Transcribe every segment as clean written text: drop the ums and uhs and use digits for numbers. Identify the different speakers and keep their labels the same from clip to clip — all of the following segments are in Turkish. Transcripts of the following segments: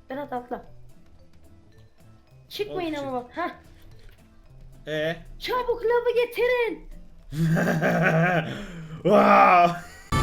Speaker 1: Berat atla. Çıkmayın
Speaker 2: Oğlum,
Speaker 1: ama bak. Heh.
Speaker 2: Ee?
Speaker 1: Çabuk lavı getirin.
Speaker 2: Wow.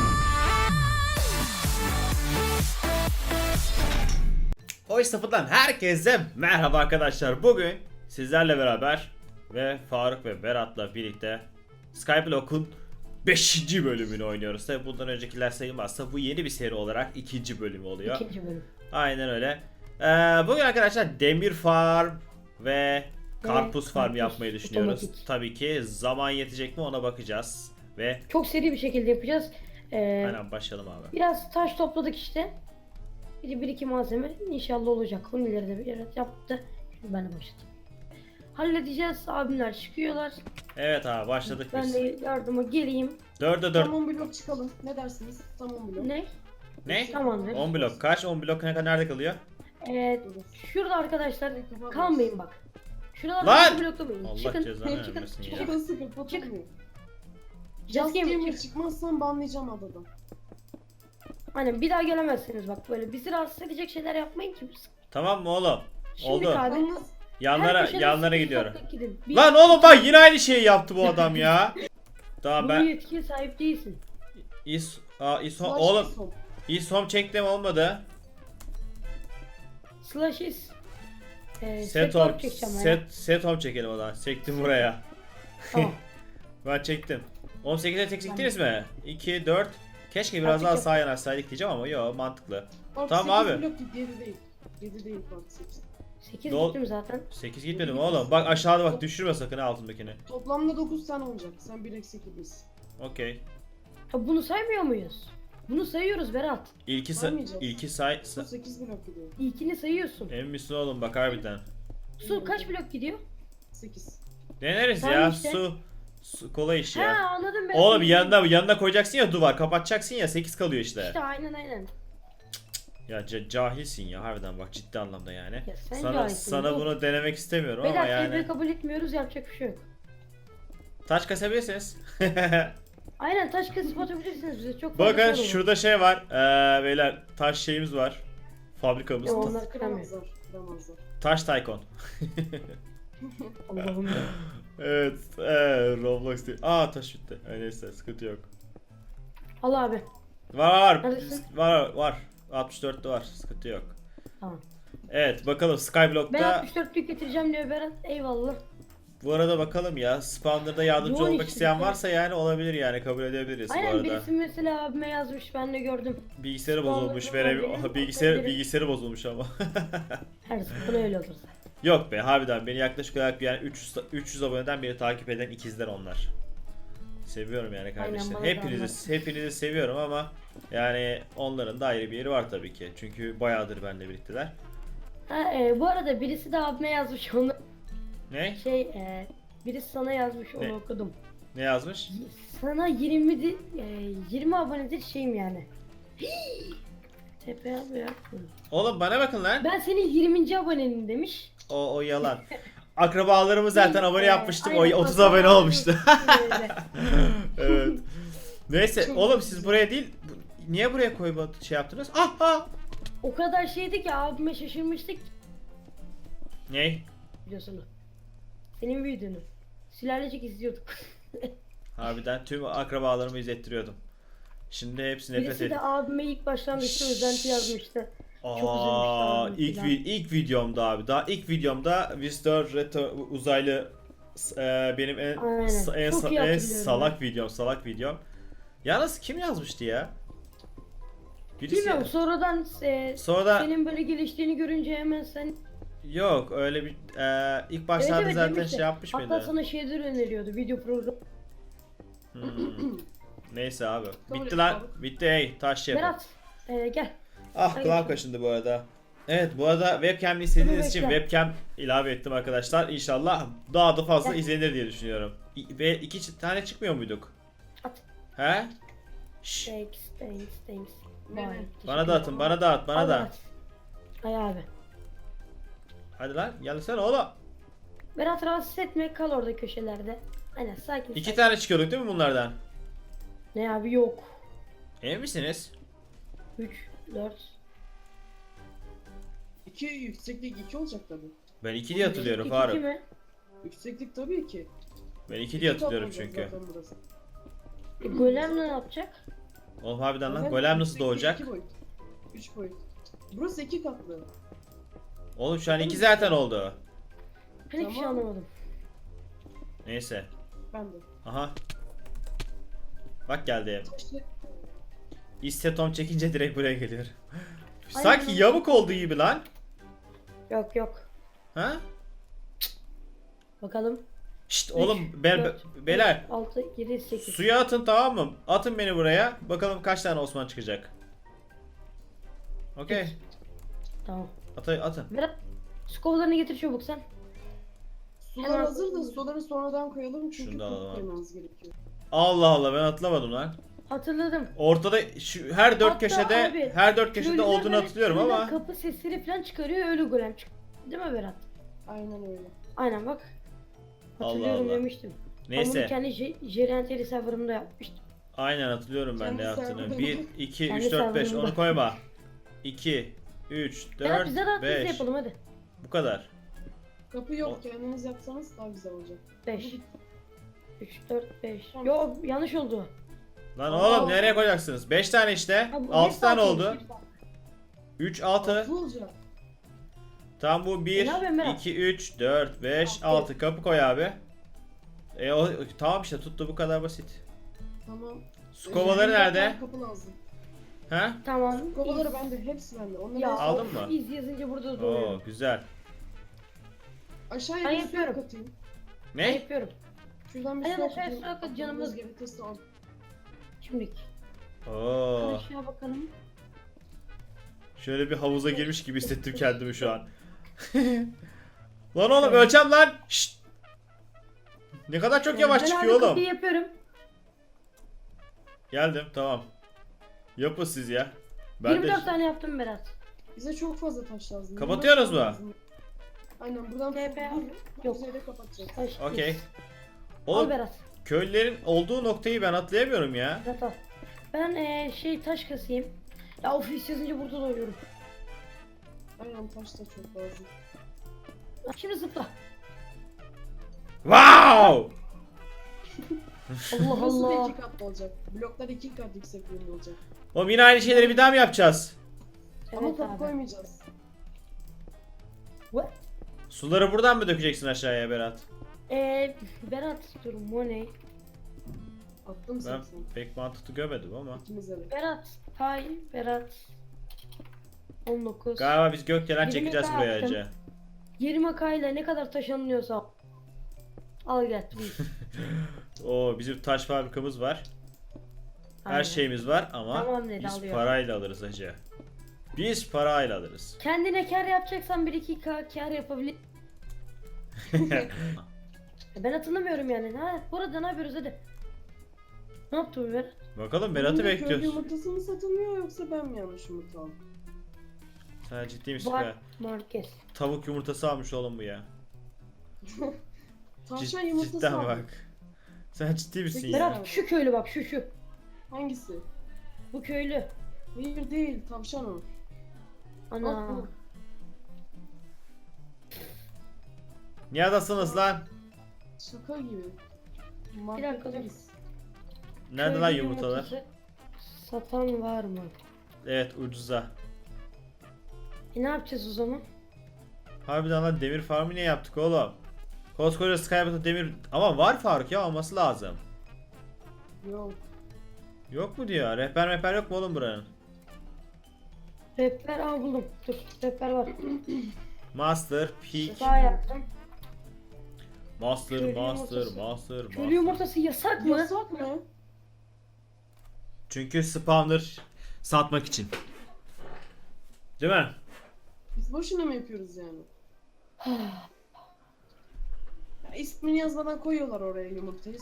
Speaker 2: O Sıfır'dan herkese merhaba arkadaşlar. Bugün sizlerle beraber ve Faruk ve Berat'la birlikte Skyblock'un 5. bölümünü oynuyoruz. Tabi bundan öncekiler sayılmazsa bu yeni bir seri olarak 2. bölümü oluyor.
Speaker 1: 2. bölüm.
Speaker 2: Aynen öyle. Bugün arkadaşlar demir farm ve karpuz farm
Speaker 1: karpuz,
Speaker 2: yapmayı düşünüyoruz.
Speaker 1: otomatik.
Speaker 2: Tabii ki zaman yetecek mi ona bakacağız. Ve
Speaker 1: Çok seri bir şekilde yapacağız.
Speaker 2: aynen başlayalım abi.
Speaker 1: Biraz taş topladık işte. Bir iki malzeme inşallah olacak. Hunileri de bir yere yaptı. Şimdi ben de başladım. Halledeceğiz. Abimler çıkıyorlar.
Speaker 2: Evet abi başladık
Speaker 1: Ben
Speaker 2: biz.
Speaker 1: de yardıma geleyim.
Speaker 2: 4'e 4.
Speaker 3: Tamam blok çıkalım. Ne dersiniz? Tamam blok.
Speaker 1: Ne?
Speaker 2: Ne?
Speaker 1: Tamamdır.
Speaker 2: 10 blok kaç? 10 blok nerede kalıyor?
Speaker 1: Şurada arkadaşlar kalmayın bak. Şurada
Speaker 2: Lan!
Speaker 1: bloklamayın.
Speaker 2: Allah
Speaker 1: Çıkın.
Speaker 2: cezanı
Speaker 1: Çıkın.
Speaker 2: vermesin ya.
Speaker 3: Şurası kapatılmıyor.
Speaker 1: Just
Speaker 3: Just
Speaker 1: Gamer
Speaker 3: Gamer
Speaker 1: çık.
Speaker 3: çıkmazsan banlayacağım adadan.
Speaker 1: Aynen bir daha gelemezsiniz bak böyle bizi rahatsız edecek şeyler yapmayın ki.
Speaker 2: Tamam mı oğlum?
Speaker 1: Şimdi
Speaker 2: Oldu.
Speaker 1: abi.
Speaker 3: Yalnız
Speaker 2: Yanlara gidiyorum.
Speaker 1: Gidin.
Speaker 2: Lan oğlum bak yine aynı şeyi yaptı bu adam ya. Tamam
Speaker 1: Bu
Speaker 2: ben
Speaker 1: yetkiye sahip değilsin.
Speaker 2: İsom
Speaker 3: slash
Speaker 2: oğlum
Speaker 3: isom.
Speaker 2: İsom çektim olmadı.
Speaker 1: Slash is.
Speaker 2: Set
Speaker 1: home
Speaker 2: home
Speaker 1: çekeceğim ya.
Speaker 2: set home çekelim o zaman. Çektim buraya.
Speaker 1: Tamam.
Speaker 2: Ben çektim. 18'e tek çektiniz mi? 2 4. Keşke biraz daha
Speaker 1: Artık
Speaker 2: sağa yanaşsaydık diyeceğim ama yok mantıklı.
Speaker 3: Bak,
Speaker 2: Tamam
Speaker 3: 8
Speaker 2: abi.
Speaker 3: blok git 7 değil. 7 değil bak 8.
Speaker 1: 8
Speaker 2: Dol-
Speaker 1: gittim zaten.
Speaker 2: 8 gitmedim oğlum. Bak aşağıda bak düşürme sakın ha altındakini.
Speaker 3: Toplamda 9 tane olacak. Sen 1 eksik gibisin.
Speaker 2: Okey.
Speaker 1: Ha, bunu saymıyor muyuz? Bunu sayıyoruz Berat.
Speaker 3: Saymayacağız.
Speaker 2: İlki say.
Speaker 3: Bu 8 blok gidiyor.
Speaker 1: İlkini sayıyorsun.
Speaker 2: Emin misin oğlum bak harbiden.
Speaker 1: Su kaç blok gidiyor?
Speaker 3: 8.
Speaker 2: Deneriz
Speaker 1: Tamam
Speaker 2: ya
Speaker 1: işte.
Speaker 2: su kolay iş
Speaker 1: Ha
Speaker 2: ya.
Speaker 1: anladım ben.
Speaker 2: Oğlum yanına koyacaksın ya duvar kapatacaksın ya 8 kalıyor işte.
Speaker 1: İşte aynen.
Speaker 2: Ya cahilsin ya harbiden bak ciddi anlamda yani.
Speaker 1: Ya sen
Speaker 2: Sana
Speaker 1: cahilsin,
Speaker 2: sana
Speaker 1: dur.
Speaker 2: bunu denemek istemiyorum ama
Speaker 1: Beyler
Speaker 2: yani.
Speaker 1: tebrik kabul etmiyoruz yapacak bir şey yok.
Speaker 2: Taş kasabilirsiniz.
Speaker 1: Aynen taş kesip atabilirsiniz bize çok fazla
Speaker 2: Bakın
Speaker 1: sorun var.
Speaker 2: şurada şey var. Beyler taş şeyimiz var. Fabrikamız.
Speaker 1: Ya onlar kıramıyor.
Speaker 3: Kıramazlar. Kıramazlar.
Speaker 2: Taş Tycoon.
Speaker 1: Allah'ım ya.
Speaker 2: Evet. Roblox değil. Taş bitti. Neyse sıkıntı yok.
Speaker 1: Al abi.
Speaker 2: Var.
Speaker 1: Neredesin?
Speaker 2: Var. 64'te var. Sıkıntı yok.
Speaker 1: Tamam.
Speaker 2: Evet bakalım
Speaker 1: Ben
Speaker 2: Skyblock'ta
Speaker 1: 64'lük getireceğim diyor Berat. Eyvallah.
Speaker 2: bu arada bakalım ya spawner'da yardımcı
Speaker 1: Yoğun
Speaker 2: olmak
Speaker 1: işte,
Speaker 2: isteyen
Speaker 1: yoğun.
Speaker 2: varsa yani olabilir yani kabul edebiliriz bu
Speaker 1: Aynen
Speaker 2: arada.
Speaker 1: birisi mesela abime yazmış ben de gördüm.
Speaker 2: Bilgisayarı
Speaker 1: Spawner'da
Speaker 2: bozulmuş
Speaker 1: olabilir,
Speaker 2: bilgisayarı bozulmuş ama.
Speaker 1: Her zaman öyle olur.
Speaker 2: Yok be harbiden beni yaklaşık olarak yani 300 aboneden beni takip eden ikizler onlar. Seviyorum yani kardeşler.
Speaker 1: bana da
Speaker 2: Hepinizi seviyorum ama yani onların da ayrı bir yeri var tabii ki. Çünkü bayağıdır benimle birlikteler.
Speaker 1: Ha, bu arada birisi de abime yazmış onu.
Speaker 2: Ne?
Speaker 1: Birisi sana yazmış onu
Speaker 2: Ne?
Speaker 1: okudum.
Speaker 2: Ne yazmış?
Speaker 1: Sana 20 abonedir şeyim yani. Tepe abi ya.
Speaker 2: Oğlum bana bakın lan.
Speaker 1: Ben senin 20. abonenin demiş.
Speaker 2: O yalan. Akrabalarımı zaten abone yapmıştım. O
Speaker 1: Aynen,
Speaker 2: 30 abone
Speaker 1: akraba
Speaker 2: olmuştu.
Speaker 1: öyle.
Speaker 2: Evet. Neyse
Speaker 3: Çok
Speaker 2: oğlum
Speaker 3: güzel.
Speaker 2: siz buraya değil niye buraya koyma şey yaptınız?
Speaker 1: O kadar şeydi ki abime şaşırmıştık
Speaker 2: Ne?
Speaker 1: biliyorsun. Senin videonu. Sülalecek izliyorduk.
Speaker 2: Harbiden tüm akrabalarımı izlettiriyordum. Şimdi hepsi nefret
Speaker 1: Birisi
Speaker 2: ediyor.
Speaker 1: de abime ilk başlangıçta özenti yazmıştı. Çok üzülmüştü abim filan.
Speaker 2: ilk videomda abi. Daha ilk videomda Visitor Reto uzaylı benim
Speaker 1: Aynen. Çok iyi hatırlıyorum
Speaker 2: salak videom. Yalnız kim yazmıştı ya? Birisi
Speaker 1: Bilmiyorum sonradan
Speaker 2: Sonra
Speaker 1: senin böyle geliştiğini görünce hemen sen
Speaker 2: yok öyle bir ilk başlarda
Speaker 1: Evet,
Speaker 2: zaten
Speaker 1: demişti.
Speaker 2: şey yapmış
Speaker 1: hatta
Speaker 2: mıydı?
Speaker 1: sana şeyler öneriyordu video programı.
Speaker 2: Neyse abi.
Speaker 3: Kabul
Speaker 2: Bitti
Speaker 3: et
Speaker 2: lan.
Speaker 3: abi.
Speaker 2: Bitti hey taş şey yapın.
Speaker 1: Berat gel.
Speaker 2: Kulağım
Speaker 1: Hayır.
Speaker 2: kaşındı bu arada. Evet bu arada webcam'li istediğiniz
Speaker 1: Bunu
Speaker 2: için
Speaker 1: bekle.
Speaker 2: webcam ilave ettim arkadaşlar. İnşallah daha da fazla
Speaker 1: Gel.
Speaker 2: izlenir diye düşünüyorum. Ve 2 tane çıkmıyor muyduk?
Speaker 1: At.
Speaker 2: He? Şşş.
Speaker 1: Thanks.
Speaker 3: Ne?
Speaker 1: Vay,
Speaker 2: Bana da atın, bana da at, bana
Speaker 1: Al
Speaker 2: da.
Speaker 1: Berat. Hay abi.
Speaker 2: Hadi lan gelsene oğlum.
Speaker 1: Berat rahatsız etme kal orada köşelerde. Aynen sakin.
Speaker 2: 2
Speaker 1: sakin.
Speaker 2: tane çıkıyorduk değil mi bunlardan?
Speaker 1: Ne abi yok.
Speaker 2: Emin misiniz?
Speaker 1: 3, 4.
Speaker 3: 2 yükseklik 2 olacak tabii.
Speaker 2: Ben 2 diye hatırlıyorum
Speaker 1: İki
Speaker 2: Faruk.
Speaker 1: mi?
Speaker 3: Yükseklik tabii ki.
Speaker 2: Ben 2 diye
Speaker 3: İki kat
Speaker 2: hatırlıyorum
Speaker 3: olacak
Speaker 2: çünkü.
Speaker 3: zaten burası.
Speaker 1: Golem ne yapacak?
Speaker 2: Oğlum harbiden lan
Speaker 3: Evet,
Speaker 2: golem nasıl
Speaker 3: yükseklik
Speaker 2: doğacak?
Speaker 3: 2 boyut. 3 boyut. Burası 2 katlı.
Speaker 2: Oğlum şu an 2 zaten oldu.
Speaker 1: Ben hiçbir şey
Speaker 3: Tamam.
Speaker 1: anlamadım.
Speaker 2: Neyse.
Speaker 3: Ben de.
Speaker 2: Aha. Bak geldi.
Speaker 3: İşte
Speaker 2: İstetom çekince direkt buraya geliyor.
Speaker 1: Aynen.
Speaker 2: Sanki yamuk olduğu gibi lan.
Speaker 1: Yok yok.
Speaker 2: Ha?
Speaker 1: Bakalım.
Speaker 2: Şşt
Speaker 1: Üç,
Speaker 2: oğlum
Speaker 1: dört,
Speaker 2: beyler
Speaker 1: 6, 7, 8.
Speaker 2: suya atın tamam mı? Atın beni buraya. Bakalım kaç tane Osman çıkacak. Okey.
Speaker 1: Tamam.
Speaker 2: Atın.
Speaker 1: Berat, su kovalarını getir çabuk sen.
Speaker 3: sular
Speaker 1: Hemen-
Speaker 3: hazır da suları sonradan koyalım çünkü
Speaker 2: Şunu da alalım
Speaker 3: top
Speaker 2: abi.
Speaker 3: koymamız gerekiyor.
Speaker 2: Allah Allah ben atlamadım lan.
Speaker 1: Hatırladım.
Speaker 2: Ortada şu her dört
Speaker 1: Hatta
Speaker 2: köşede
Speaker 1: abi,
Speaker 2: her dört köşede
Speaker 1: Köylüler
Speaker 2: olduğunu
Speaker 1: böyle
Speaker 2: hatırlıyorum
Speaker 1: köyden
Speaker 2: ama
Speaker 1: kapı sesleri falan çıkarıyor öyle golem çık. Değil mi Berat?
Speaker 3: Aynen öyle.
Speaker 1: Aynen bak.
Speaker 2: Allah
Speaker 1: Hatırlıyorum
Speaker 2: Allah.
Speaker 1: demiştim. Ben bunu
Speaker 2: neyse.
Speaker 1: kendi Jerenteli serverımda yapmıştım.
Speaker 2: Aynen hatırlıyorum ben
Speaker 3: Kendi
Speaker 2: ne yaptığını.
Speaker 3: serverında.
Speaker 2: 1 2
Speaker 1: Kendi
Speaker 2: 3 4 5
Speaker 1: serverında.
Speaker 2: onu koyma. 2 3
Speaker 1: Berat
Speaker 2: 4
Speaker 1: bize de biz
Speaker 2: 5
Speaker 1: yapalım hadi.
Speaker 2: bu kadar.
Speaker 3: Kapı yok kendiniz yapsanız daha güzel olacak.
Speaker 1: 5. 3, 4, 5.
Speaker 3: Tamam.
Speaker 1: Yok yanlış oldu.
Speaker 2: Lan
Speaker 3: Aa.
Speaker 2: oğlum nereye koyacaksınız? 5 tane işte.
Speaker 1: Ha, bu
Speaker 2: 6
Speaker 1: bir
Speaker 2: tane
Speaker 1: saat
Speaker 2: oldu.
Speaker 1: olmuş.
Speaker 2: 3 6.
Speaker 3: Altı olacak.
Speaker 2: Tam bu 1
Speaker 1: ne yapayım Berat?
Speaker 2: 2 3 4 5
Speaker 1: Altı.
Speaker 2: 6 kapı koy abi. Tamam işte tuttu bu kadar basit.
Speaker 3: Tamam.
Speaker 2: Su kovaları nerede?
Speaker 3: Kapı lazım.
Speaker 2: Ha?
Speaker 1: Tamam.
Speaker 3: Su kovaları bende. Hepsi bende. Onları
Speaker 1: Ya
Speaker 2: Aldın
Speaker 1: of,
Speaker 2: mı?
Speaker 1: iz yazınca burada
Speaker 2: Oo
Speaker 1: doğuyor.
Speaker 2: güzel.
Speaker 3: aşağıya
Speaker 1: Ben
Speaker 3: bir su
Speaker 1: yapıyorum.
Speaker 3: katayım.
Speaker 1: Ben
Speaker 2: Ne?
Speaker 1: yapıyorum.
Speaker 3: Şuradan bir
Speaker 1: Aynen,
Speaker 3: su
Speaker 1: aşağıya
Speaker 3: katayım.
Speaker 1: su kat, canımız-
Speaker 3: Aklınız gerekirse al.
Speaker 1: Şimdilik.
Speaker 2: Oo.
Speaker 1: Aşağı bakalım.
Speaker 2: Şöyle bir havuza girmiş gibi hissettim kendimi şu an. Lan oğlum ölçem lan. Şşt. Ne kadar çok yavaş
Speaker 1: Ben
Speaker 2: çıkıyor
Speaker 1: abi
Speaker 2: oğlum.
Speaker 1: kapıyı yapıyorum.
Speaker 2: Geldim tamam. Yapın siz ya. Ben
Speaker 1: 24
Speaker 2: de
Speaker 1: tane yaptım Berat.
Speaker 3: Bize çok fazla taş lazım.
Speaker 2: Kapatıyoruz mu?
Speaker 3: Lazım. Aynen buradan
Speaker 1: TP
Speaker 3: bu
Speaker 1: yok.
Speaker 3: yüzeyle kapatacağız.
Speaker 1: Taş,
Speaker 2: okey.
Speaker 1: iz. Al
Speaker 2: Oğlum
Speaker 1: Berat.
Speaker 2: köylülerin olduğu noktayı ben atlayamıyorum ya.
Speaker 1: Berat al. Ben taş kasayım. Ya ofis yazınca burada doyuyorum.
Speaker 3: Aynen taş da çok lazım.
Speaker 1: Şimdi zıpla.
Speaker 2: Wow!
Speaker 1: Allah
Speaker 3: Burası da
Speaker 1: Allah.
Speaker 3: 2 katlı olacak. Bloklar 2 kat yüksekliğinde olacak.
Speaker 2: Oğlum yine aynı şeyleri bir daha mı yapacağız?
Speaker 3: Ama
Speaker 1: Evet
Speaker 3: kapı
Speaker 1: abi.
Speaker 3: koymayacağız.
Speaker 1: What?
Speaker 2: Suları buradan mı dökeceksin aşağıya Berat?
Speaker 1: Berat dur Money.
Speaker 3: Attım
Speaker 2: Ben
Speaker 3: 80.
Speaker 2: pek mantıklı görmedim ama.
Speaker 3: İkimize de.
Speaker 1: Berat. Hay Berat. 19.
Speaker 2: Galiba biz gökdelen
Speaker 1: 20
Speaker 2: çekeceğiz
Speaker 1: daha
Speaker 2: buraya
Speaker 1: yaptım.
Speaker 2: önce.
Speaker 1: 20 kayla ne kadar taş alınıyorsa. Al gel. buyur.
Speaker 2: Oo bizim taş fabrikamız var. Her
Speaker 1: Aynen.
Speaker 2: şeyimiz var ama
Speaker 1: Tamam dedi,
Speaker 2: biz
Speaker 1: alıyor.
Speaker 2: parayla alırız hacı. Biz parayla alırız.
Speaker 1: Kendine kar yapacaksan 1-2 kar yapabilir. Ben hatırlamıyorum yani. Ha, burada ne yapıyoruz hadi. Ne yaptı bu Berat?
Speaker 2: Bakalım Berat'ı
Speaker 3: Bunda köylü
Speaker 2: bekliyoruz.
Speaker 3: yumurtası mı satılıyor yoksa ben mi yanlış yumurta aldım?
Speaker 2: Sen ciddi misin
Speaker 1: Var
Speaker 2: be?
Speaker 1: Marquez.
Speaker 2: Tavuk yumurtası almış oğlum bu ya.
Speaker 3: Tavşan yumurtası
Speaker 2: Cidden
Speaker 3: aldım.
Speaker 2: bak. Sen ciddi misin
Speaker 3: Peki
Speaker 2: ya?
Speaker 1: Berat şu köylü bak şu.
Speaker 3: Hangisi?
Speaker 1: Bu köylü.
Speaker 3: Hayır değil tavşan o.
Speaker 1: Ana.
Speaker 3: Bak bu.
Speaker 2: Neredesiniz lan?
Speaker 3: Şaka gibi.
Speaker 1: Bir dakika dur.
Speaker 3: Marketteyiz.
Speaker 2: Nerede
Speaker 1: Köylü
Speaker 2: lan yumurtalar?
Speaker 1: yumurtası Satan var mı?
Speaker 2: Evet ucuza.
Speaker 1: Ne yapacağız o zaman?
Speaker 2: Harbiden lan demir farmı niye yaptık oğlum? Koskoca Skybot'a demir... Ama var Faruk ya olması lazım.
Speaker 3: Yok.
Speaker 2: Yok mu diyor? Rehber yok mu oğlum buranın?
Speaker 1: Rehber buldum. Dur rehber var.
Speaker 2: Master, Peak,
Speaker 1: Sağ yaptım.
Speaker 2: Master,
Speaker 1: Köylü
Speaker 2: Master,
Speaker 1: yumurtası.
Speaker 2: Master,
Speaker 1: Köylü
Speaker 2: Master.
Speaker 1: yumurtası yasak mı?
Speaker 3: Yasak mı?
Speaker 2: Çünkü spawner satmak için. Değil mi?
Speaker 3: Biz boşuna mı yapıyoruz yani? Ya ismini yazmadan koyuyorlar oraya yumurtayı.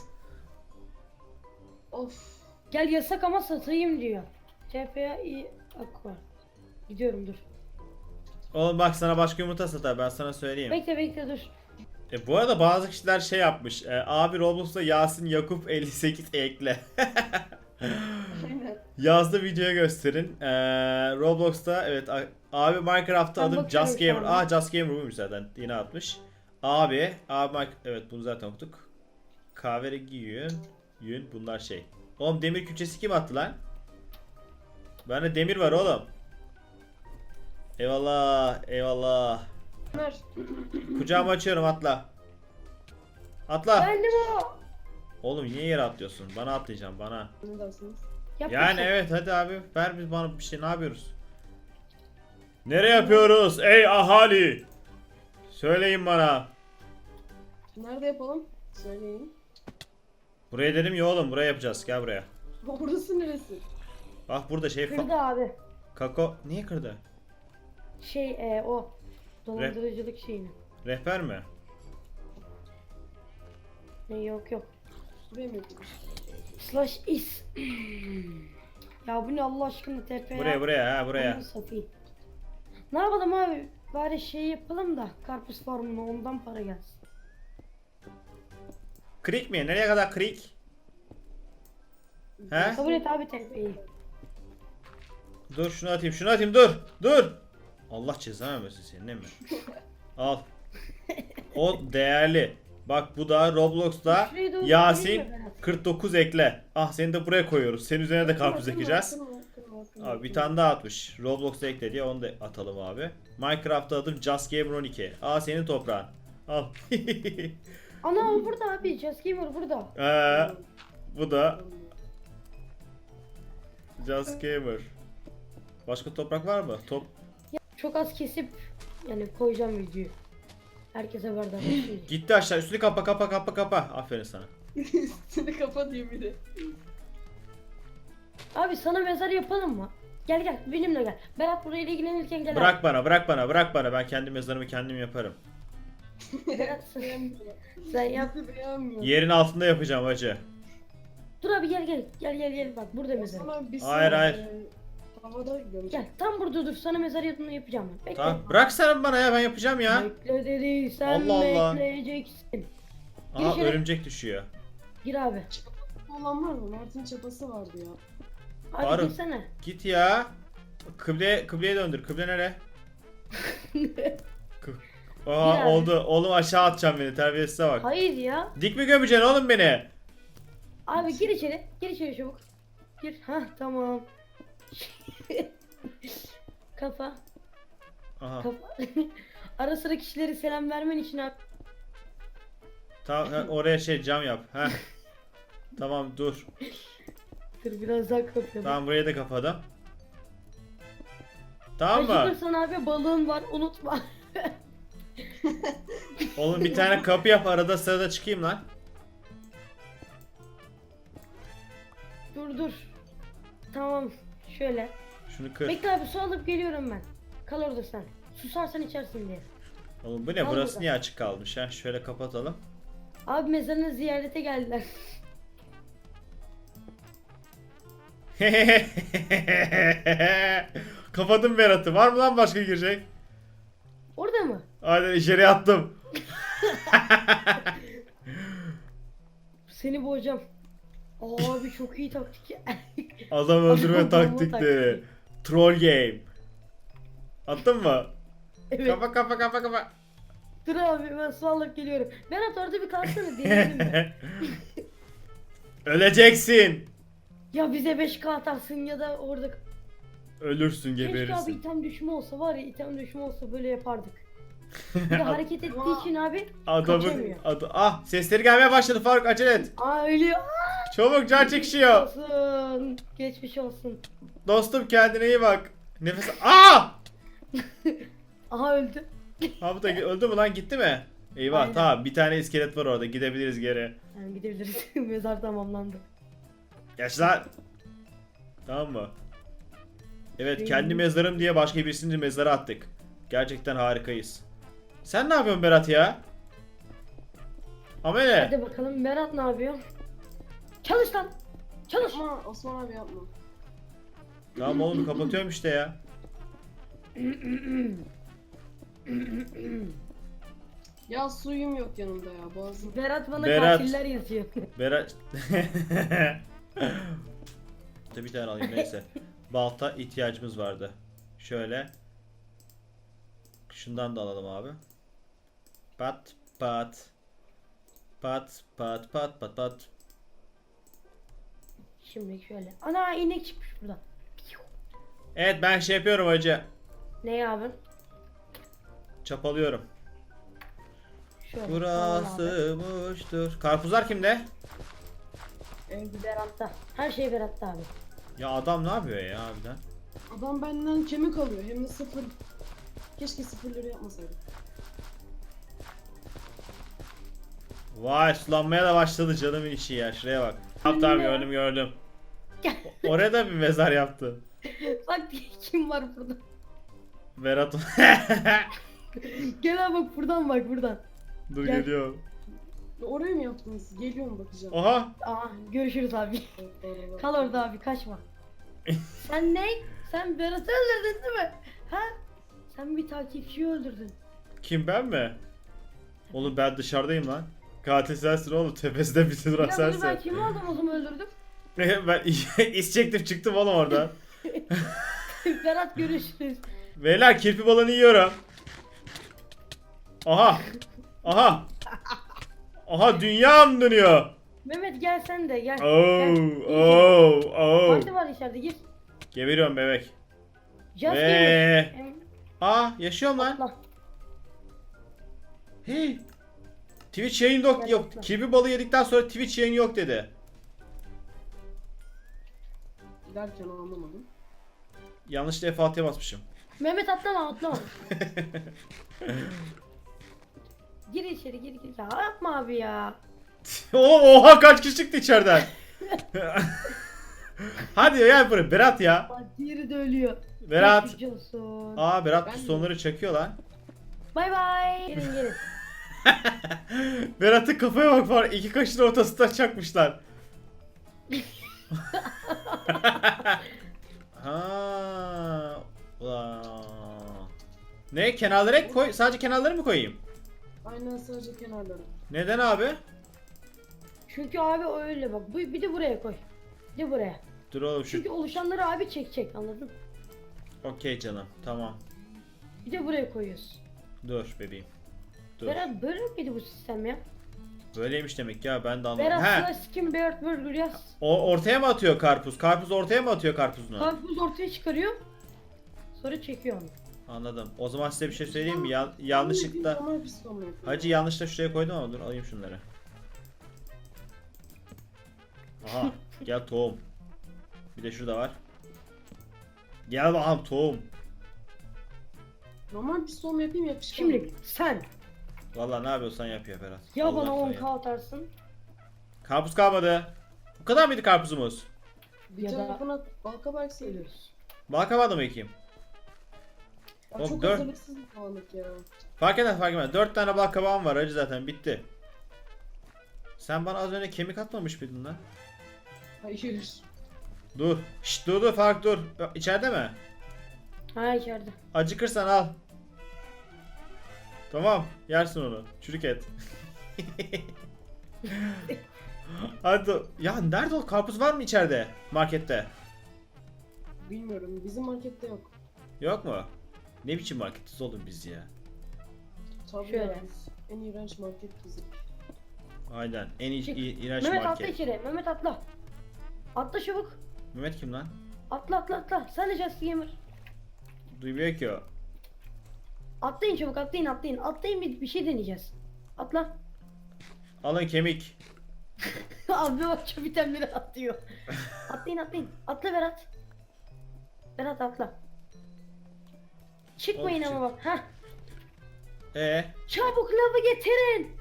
Speaker 3: Of.
Speaker 1: Gel yasak ama satayım diyor. TPA iyi aqua. Gidiyorum dur.
Speaker 2: Oğlum bak sana başka yumurta satar ben sana söyleyeyim.
Speaker 1: Bekle dur.
Speaker 2: Bu arada bazı kişiler şey yapmış. Abi Roblox'ta Yasin Yakup 58 ekle.
Speaker 3: Aynen.
Speaker 2: Yazdı, videoya gösterin. Roblox'ta evet abi Minecraft'ta
Speaker 1: Ben
Speaker 2: adım
Speaker 1: bakıyorum
Speaker 2: Just
Speaker 1: şu
Speaker 2: Gamer.
Speaker 1: anda.
Speaker 2: Just Gamer buymuş zaten. Yine atmış. Abi evet bunu zaten okuduk. Kahverengi yün bunlar şey. Oğlum demir külçesi kim attı lan? Bende demir var oğlum. Eyvallah eyvallah.
Speaker 3: Ömer.
Speaker 2: Kucağımı açıyorum, atla. Atla.
Speaker 1: Bendim o.
Speaker 2: Oğlum niye yere atlıyorsun? Bana atlayacaksın bana.
Speaker 3: Ne dersiniz?
Speaker 1: Yap
Speaker 2: Yani
Speaker 1: bakayım.
Speaker 2: evet hadi abi ver biz bana bir şey, ne yapıyoruz? Nereye yapıyoruz ey ahali? Söyleyin bana.
Speaker 3: Nerede yapalım? Söyleyin.
Speaker 2: Buraya dedim ya oğlum, buraya yapacağız, gel buraya.
Speaker 3: Orası neresi?
Speaker 2: Bak burada şey
Speaker 1: Kırdı abi.
Speaker 2: Kako niye kırdı?
Speaker 1: O. Dolandırıcılık şeyini.
Speaker 2: Rehber mi?
Speaker 1: Ne yok yok.
Speaker 3: Buraya mı yapıyoruz?
Speaker 1: Slash is. Ya bu ne Allah aşkına TP ya.
Speaker 2: Buraya.
Speaker 1: Aman satayım. Ne yapalım abi? Bari şey yapalım da karpuz farmına ondan para gelsin.
Speaker 2: Krik mi? Nereye kadar krik? He?
Speaker 1: Kabul et abi TP'yi.
Speaker 2: Dur şunu atayım dur. Allah cezanı vermesin senin, değil mi? Al. O değerli. Bak bu da Roblox'ta
Speaker 1: Şurayı da
Speaker 2: Yasin
Speaker 1: unutmayayım mı Berat?
Speaker 2: 49 ekle. Ah seni de buraya koyuyoruz. Senin üzerine de karpuz
Speaker 3: Kırma,
Speaker 2: ekeceğiz.
Speaker 3: kırma.
Speaker 2: Abi bir tane daha atmış. Roblox'ta ekle diye onu da atalım abi. Minecraft'ta adım Just Gamer 12. Aa senin toprağın. Al.
Speaker 1: Ana o burada abi. Just Gamer burada.
Speaker 2: Bu da Just Gamer. Başka toprak var mı?
Speaker 1: Çok az kesip yani koyacağım videoyu. Herkese haberdar olsun.
Speaker 2: Gitti aşağı. Üstünü kapa. Aferin sana.
Speaker 3: Seni kapatayım bir de.
Speaker 1: Abi sana mezar yapalım mı? Gel benimle gel. Berat burayla ilgilenirken gel
Speaker 2: Bırak bana. Ben kendi mezarımı kendim yaparım.
Speaker 1: abi. Berat sen yap.
Speaker 3: Beğenmiyorum.
Speaker 2: Yerin altında yapacağım hacı.
Speaker 1: Dur abi gel bak burada mezar.
Speaker 3: Sana bir
Speaker 2: Hayır,
Speaker 3: saniye,
Speaker 2: hayır.
Speaker 3: Havada gömeceğim.
Speaker 1: Gel tam burada dur sana mezar yapacağım ben. Bekle.
Speaker 2: Tamam. Bırak sen bana ya, ben yapacağım ya.
Speaker 1: Bekle dediysen
Speaker 2: Allah Allah.
Speaker 1: bekleyeceksin.
Speaker 2: Aha
Speaker 1: içeri.
Speaker 2: örümcek düşüyor.
Speaker 1: Gir abi.
Speaker 3: Olan var mı? Mart'ın çapası vardı ya.
Speaker 1: Abi
Speaker 2: Faruk.
Speaker 1: girsene.
Speaker 2: Git ya. Kıbleye döndür. Kıble nere? Aha
Speaker 1: Yani.
Speaker 2: oldu. Oğlum aşağı atacağım beni. Terbiyesize bak.
Speaker 1: Hayır ya.
Speaker 2: Dik mi gömeceksin oğlum beni?
Speaker 1: Abi gir içeri. Gir içeri çabuk. Gir. Hah tamam. Kafa.
Speaker 2: Aha.
Speaker 1: Kafa. Ara sıra kişilere selam vermen için abi.
Speaker 2: Tamam oraya şey cam yap. Heh. Tamam dur.
Speaker 1: Dur biraz daha kapıyorum.
Speaker 2: Tamam burayı da kapadım. Tamam mı?
Speaker 1: Acıkırsan abi balığın var unutma.
Speaker 2: Oğlum bir tane kapı yap, arada sırada çıkayım lan.
Speaker 1: Dur. Tamam. Şöyle.
Speaker 2: Şunu kır.
Speaker 1: Bekle abi su alıp geliyorum ben. Kal orada sen. Susarsan içersin diye.
Speaker 2: Oğlum bu ne?
Speaker 1: Al
Speaker 2: Burası
Speaker 1: burada.
Speaker 2: niye açık kalmış ha? Şöyle kapatalım.
Speaker 1: Abi mezarına ziyarete geldiler.
Speaker 2: Kapadım Berat'ı. Var mı lan başka girecek?
Speaker 1: Orada mı?
Speaker 2: Aynen içeri attım.
Speaker 1: Seni boğacağım. Abi çok iyi taktik ya.
Speaker 2: Adam öldürme
Speaker 1: Adam
Speaker 2: taktikleri. Troll game. Attın mı?
Speaker 1: Evet.
Speaker 2: Kapa.
Speaker 1: Dur abi ben su alıp geliyorum. Berat orada bir kalsana deneyelim mi?
Speaker 2: Öleceksin.
Speaker 1: Ya bize 5K atarsın ya da orada...
Speaker 2: Ölürsün,
Speaker 1: Keşke abi
Speaker 2: geberirsin.
Speaker 1: item düşme olsa var ya item düşme olsa böyle yapardık. Bir de hareket ettiği için abi
Speaker 2: Adamın
Speaker 1: kaçamıyor.
Speaker 2: Ah sesleri gelmeye başladı Faruk, acele et.
Speaker 1: Aa ölüyor.
Speaker 2: Çabuk, can çekişiyor.
Speaker 1: Olsun. Geçmiş olsun.
Speaker 2: Dostum kendine iyi bak. Nefes... Aa!
Speaker 1: Aha öldü.
Speaker 2: Abi da öldü mü lan, gitti mi? Eyvah
Speaker 1: Aynen.
Speaker 2: tamam, bir tane iskelet var orada, gidebiliriz geri.
Speaker 1: Yani gidebiliriz. Mezar tamamlandı.
Speaker 2: Geç lan. Tamam mı? Evet, kendi mezarım diye başka birisinin mezara attık. Gerçekten harikayız. Sen ne yapıyorsun Berat ya? Amele.
Speaker 1: Hadi bakalım Berat ne yapıyor? Çalış lan. Çalış.
Speaker 3: Yapma Osman abi yapma.
Speaker 2: Tamam oğlum kapatıyorum işte ya.
Speaker 3: Ya suyum yok yanımda ya boğazım.
Speaker 1: Berat bana
Speaker 2: Berat.
Speaker 1: katiller yazıyor.
Speaker 2: Berat. Bir tane alayım neyse. Balta ihtiyacımız vardı. Şöyle. Şundan da alalım abi. Pat pat. Pat pat pat pat pat.
Speaker 1: Şimdi şöyle. Ana inek çıkmış buradan.
Speaker 2: Evet ben şey yapıyorum hacı.
Speaker 1: Ne abi?
Speaker 2: Çapalıyorum.
Speaker 1: Şöyle.
Speaker 2: Burası boştur. Karpuzlar kimde?
Speaker 3: Evde.
Speaker 1: Berat'ta. Her şey Berat'ta abi.
Speaker 2: Ya adam ne yapıyor ya harbiden?
Speaker 3: Adam benden kemik alıyor hem de sıfır. Keşke sıfırları yapmasaydım.
Speaker 2: Vay sulanmaya da başladı canımın işi ya. Şuraya bak. Tamam
Speaker 1: Ne?
Speaker 2: gördüm. Oraya da bir mezar yaptı.
Speaker 1: Bak kim var burada?
Speaker 2: Berat.
Speaker 1: Gel abi bak buradan.
Speaker 2: Dur
Speaker 1: Gel.
Speaker 2: geliyor.
Speaker 3: Oraya mı yaptınız? Geliyorum bakacağım.
Speaker 2: Oha.
Speaker 1: Aa görüşürüz abi. Kal orada abi kaçma. Sen ne? Sen Berat'ı öldürdün değil mi? Ha? Sen bir takipçiyi öldürdün.
Speaker 2: Kim ben mi? Oğlum ben dışarıdayım lan. Katil sensin oğlum. Tepesinde bir duran
Speaker 1: Ya bunu ben
Speaker 2: sensin.
Speaker 1: kimi aldım o zaman öldürdüm?
Speaker 2: Ben is çektim çıktım oğlum oradan.
Speaker 1: Berat görüşürüz.
Speaker 2: Beyler kirpi balığını yiyorum. Aha. Aha dünyam dönüyor.
Speaker 1: Mehmet gel sen de gel.
Speaker 2: Oh.
Speaker 1: Parti var içeride gir.
Speaker 2: Geberiyorum bebek.
Speaker 1: Just
Speaker 2: Ve-
Speaker 1: Gamer.
Speaker 2: Aa yaşıyorum lan.
Speaker 1: Atla.
Speaker 2: Hey. Twitch yayın yok.
Speaker 1: Gel,
Speaker 2: Yok.
Speaker 1: atla.
Speaker 2: Kirpi balığı yedikten sonra Twitch yayın yok dedi.
Speaker 3: Derken anlamadım.
Speaker 2: Yanlışlıkla F6'ya basmışım.
Speaker 1: Mehmet atlama. Gir içeri gir. Ya yapma abi ya.
Speaker 2: Oha kaç kişi çıktı içeriden. Hadi gel buraya Berat ya.
Speaker 1: Bak diğeri de ölüyor.
Speaker 2: Berat.
Speaker 1: Geçmiş olsun.
Speaker 2: Aa Berat
Speaker 3: Ben de-
Speaker 2: pistonları çakıyor lan.
Speaker 1: Bay bay. Gelin.
Speaker 2: Berat'ın kafaya bak var. İki kaşın ortasında çakmışlar. Ha. Ulan. Ne kenarlara koy? Sadece kenarları mı koyayım?
Speaker 3: Aynen sadece kenarları.
Speaker 2: Neden abi?
Speaker 1: Çünkü abi öyle bak. Bir de buraya koy. Bir de buraya.
Speaker 2: Dur oğlum
Speaker 1: Çünkü
Speaker 2: şu.
Speaker 1: oluşanları abi çekecek anladın?
Speaker 2: Okey canım. Tamam.
Speaker 1: Bir de buraya koyuyoruz.
Speaker 2: Dur bebeğim. Dur.
Speaker 1: Berat böyle miydi bu sistem ya?
Speaker 2: Böyleymiş demek ya ben de anlamadım.
Speaker 1: Berat
Speaker 2: He.
Speaker 1: slash skin Berat Burger yaz.
Speaker 2: O ortaya mı atıyor karpuz? Karpuz ortaya mı atıyor karpuzunu?
Speaker 1: Karpuz ortaya çıkarıyor. Sonra çekiyor onu.
Speaker 2: Anladım. O zaman size bir şey söyleyeyim mi? Yanlışlıkla.
Speaker 3: Normal piston mu yapıyor?
Speaker 2: Hacı yanlışla şuraya koydum ama dur alayım şunları. Aha gel tohum. Bir de şurada var. Gel bakalım tohum.
Speaker 3: Normal piston mu yapayım yapışkan
Speaker 1: Şimdi
Speaker 3: mı?
Speaker 1: sen
Speaker 2: Vallahi ne yapıyorsan yap ya Berat.
Speaker 1: ya
Speaker 2: Allah
Speaker 1: bana
Speaker 2: sen
Speaker 1: 10k
Speaker 2: yap.
Speaker 1: atarsın
Speaker 2: Karpuz kalmadı. Bu kadar mıydı karpuzumuz?
Speaker 3: Bir
Speaker 1: Ya da-
Speaker 3: tarafına balkabak seviyoruz.
Speaker 1: ölüyoruz.
Speaker 2: Balkabağda mı ekeyim?
Speaker 3: Ya
Speaker 2: Oğlum,
Speaker 3: çok
Speaker 2: dört-
Speaker 3: hazırlıksız bir falanlık ya.
Speaker 2: Fark etmez. 4 tane balkabağım var hacı zaten bitti. Sen bana az önce kemik atmamış mıydın lan?
Speaker 3: Hayır.
Speaker 2: Dur. Şşt dur Fark dur. İçeride mi?
Speaker 1: Ha içeride.
Speaker 2: Acıkırsan al. Tamam, yersin onu. Çürük et. Hadi. Ya nerede o karpuz var mı içeride? Markette.
Speaker 3: Bilmiyorum. Bizim markette yok.
Speaker 2: Yok mu? Ne biçim marketiz oğlum biz ya?
Speaker 3: Tabii
Speaker 1: Şöyle.
Speaker 3: ya, biz en iğrenç market bizim.
Speaker 2: Aynen. En
Speaker 1: Çık.
Speaker 2: iğrenç
Speaker 1: Mehmet atla
Speaker 2: market.
Speaker 1: içeri. Mehmet atla. Atla çabuk.
Speaker 2: Mehmet kim lan?
Speaker 1: Atla. Sen de Just Gamer.
Speaker 2: Duymuyor ki o.
Speaker 1: Atlayın çabuk atlayın. Atlayın bir şey deneyeceğiz. Atla.
Speaker 2: Alın kemik.
Speaker 1: Abi bak şu bitenleri atlıyor. Atlayın. Atla Berat. Berat atla. Çıkmayın
Speaker 2: Oğlum,
Speaker 1: ama bak. Heh. Çabuk lavı getirin.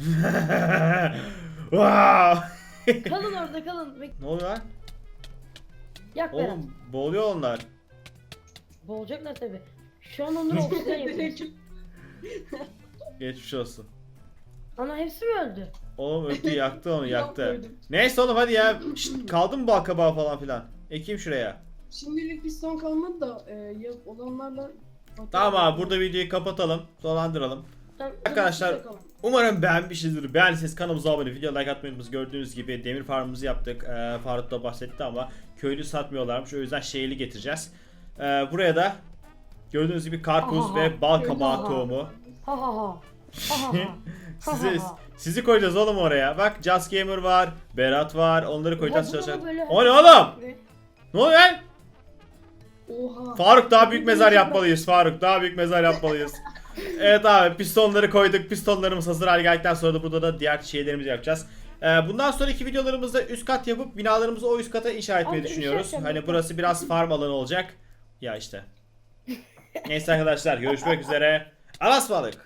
Speaker 2: Wow!
Speaker 1: Kalın orada kalın.
Speaker 2: Ne oluyor lan?
Speaker 1: Yak Berat.
Speaker 2: Oğlum boğuluyor onlar.
Speaker 1: Boğulacaklar tabi. Şu an onları oksijen yapıyoruz.
Speaker 2: Geçmiş olsun.
Speaker 1: Ana hepsi mi öldü?
Speaker 2: Oğlum öldü yaktı onu yaktı.
Speaker 3: Yapmadım.
Speaker 2: Neyse oğlum hadi ya. Şşt, kaldı mı bal kabağı falan filan? Ekeyim şuraya.
Speaker 3: Şimdilik piston kalmadı da olanlarla...
Speaker 2: Tamam abi burada videoyu kapatalım. Dolandıralım.
Speaker 1: Tamam,
Speaker 2: Arkadaşlar,
Speaker 1: bakalım.
Speaker 2: Umarım beğenmişsinizdir. Beğendiyseniz kanalımıza abone, video like atmayı unutmayınız. Gördüğünüz gibi demir farmımızı yaptık. Faruk da bahsetti ama köylü satmıyorlarmış. O yüzden şehirli getireceğiz. Buraya da gördüğünüz gibi karpuz
Speaker 1: Aha,
Speaker 2: ve bal kabağı
Speaker 1: aha.
Speaker 2: tohumu.
Speaker 1: Ha ha ha. Ha ha ha.
Speaker 2: Sizi koyacağız oğlum oraya. Bak Just Gamer var, Berat var. Onları koyacağız
Speaker 1: Oha, bu
Speaker 2: çalışacak.
Speaker 1: da böyle-
Speaker 2: O ne oğlum? Ne oluyor lan?
Speaker 3: Oha.
Speaker 2: Faruk daha büyük mezar yapmalıyız. Faruk daha büyük mezar yapmalıyız. Evet abi pistonları koyduk. Pistonlarımız hazır hale geldikten sonra da burada da diğer şeylerimizi yapacağız. Bundan sonraki videolarımızda üst kat yapıp binalarımızı o üst kata inşa etmeyi
Speaker 1: Abi, bir şey
Speaker 2: düşünüyoruz.
Speaker 1: yapacağım.
Speaker 2: Hani burası biraz farm alanı olacak. Ya işte. Neyse arkadaşlar görüşmek üzere. Alas balık.